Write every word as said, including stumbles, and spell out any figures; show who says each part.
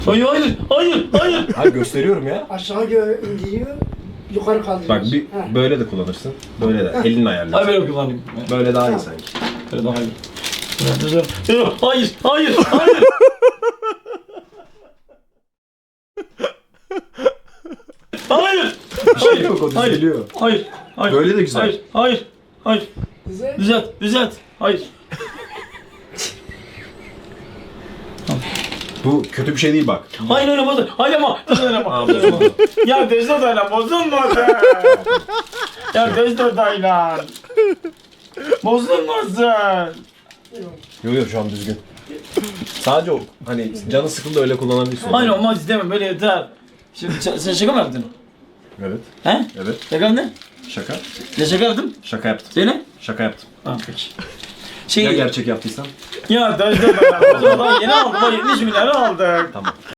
Speaker 1: Hayır hayır hayır hayır.
Speaker 2: Hayır gösteriyorum ya.
Speaker 3: Aşağı gö- indiriyor, yukarı kaldırıyor.
Speaker 2: Bak bir
Speaker 3: Heh.
Speaker 2: böyle de kullanırsın. Böyle de elinle
Speaker 1: Hayır
Speaker 2: ayarlarsın.
Speaker 1: böyle kullanayım.
Speaker 2: Böyle daha iyi sanki.
Speaker 1: Böyle daha iyi. Hayır hayır hayır. Hayır.
Speaker 2: Bir şey yok, o
Speaker 1: Hayır.
Speaker 2: düzeliyor.
Speaker 1: Hayır. Hayır.
Speaker 2: Böyle de güzel.
Speaker 1: Hayır. Hayır. Hayır.
Speaker 3: Güzel.
Speaker 1: Düzelt. Düzelt. Hayır.
Speaker 2: Bu kötü bir şey değil bak.
Speaker 1: Hayır öyle bozul. Hayır ama. Öyle ama.
Speaker 2: Aa, bozuldu.
Speaker 1: Ya Dezdo dayla bozulmadı. Ya Dezdo dayla. Bozulmasın.
Speaker 2: Yok yok şu an düzgün. Sadece o hani canı sıkıldı öyle kullanabilirsin.
Speaker 1: Hayır olmaz istemem böyle yeter. Şimdi ş- sen şaka mı yaptın?
Speaker 2: Evet.
Speaker 1: He?
Speaker 2: Evet.
Speaker 1: Şaka mı ne?
Speaker 2: Şaka.
Speaker 1: Ne şaka yaptın?
Speaker 2: Şaka yaptım.
Speaker 1: Söyle.
Speaker 2: Şaka yaptım.
Speaker 1: Ha peki. Şey,
Speaker 2: Ya gerçek yaptıysan?
Speaker 1: ya Dezdo dayla. O zaman yeni aldık. yetmiş milyarı aldık.
Speaker 2: Tamam.